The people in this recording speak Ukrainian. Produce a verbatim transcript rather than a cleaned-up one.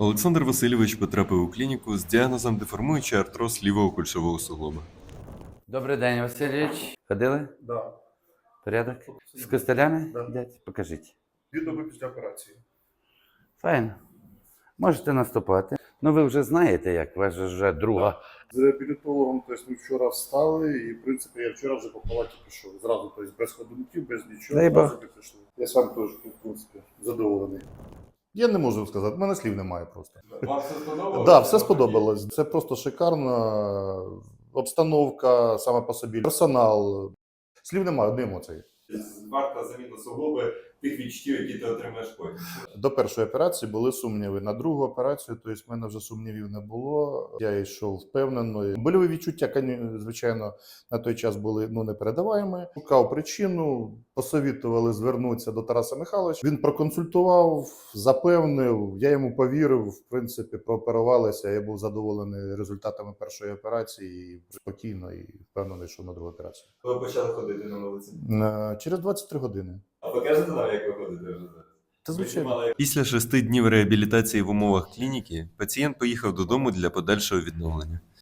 Олександр Васильович потрапив у клініку з діагнозом деформуючий артроз лівого кульшового суглоба. Добрий день, Васильович. Ходили? Да. Порядок? З костелями? Да. Йдять? Покажіть. Дві доби після операції. Файно. Можете наступати. Ну ви вже знаєте, як, у вас же вже друга. З реабілітологом, тобто ми вчора встали, і в принципі я вчора вже по палаті пішов. Зразу, тобто без ходунків, без нічого, Дай Бог. зразу ми пішли. Я сам теж, в принципі, задоволений. Я не можу сказати, в мене слів немає просто. Вам все сподобалось? Так, да, все сподобалось. Це просто шикарна обстановка, саме по собі, персонал. Слів немає, одні емоції. Варта заміна суглоби тих відчуттів, які ти отримаєш потім. До першої операції були сумніви. На другу операцію, тобто в мене вже сумнівів не було. Я йшов впевнено. Больові відчуття, звичайно, на той час були ну, непередаваємі. Шукав причину, посовітували звернутися до Тараса Михайловича. Він проконсультував, запевнив, я йому повірив, в принципі, прооперувалися. Я був задоволений результатами першої операції і спокійно і впевнений, що на другу операцію. Ви почали ходити на вулиці. Е, Через двадцять три години. А покажете нам, як ви ходите вже зараз? Та звичайно. Після шести днів реабілітації в умовах клініки пацієнт поїхав додому для подальшого відновлення.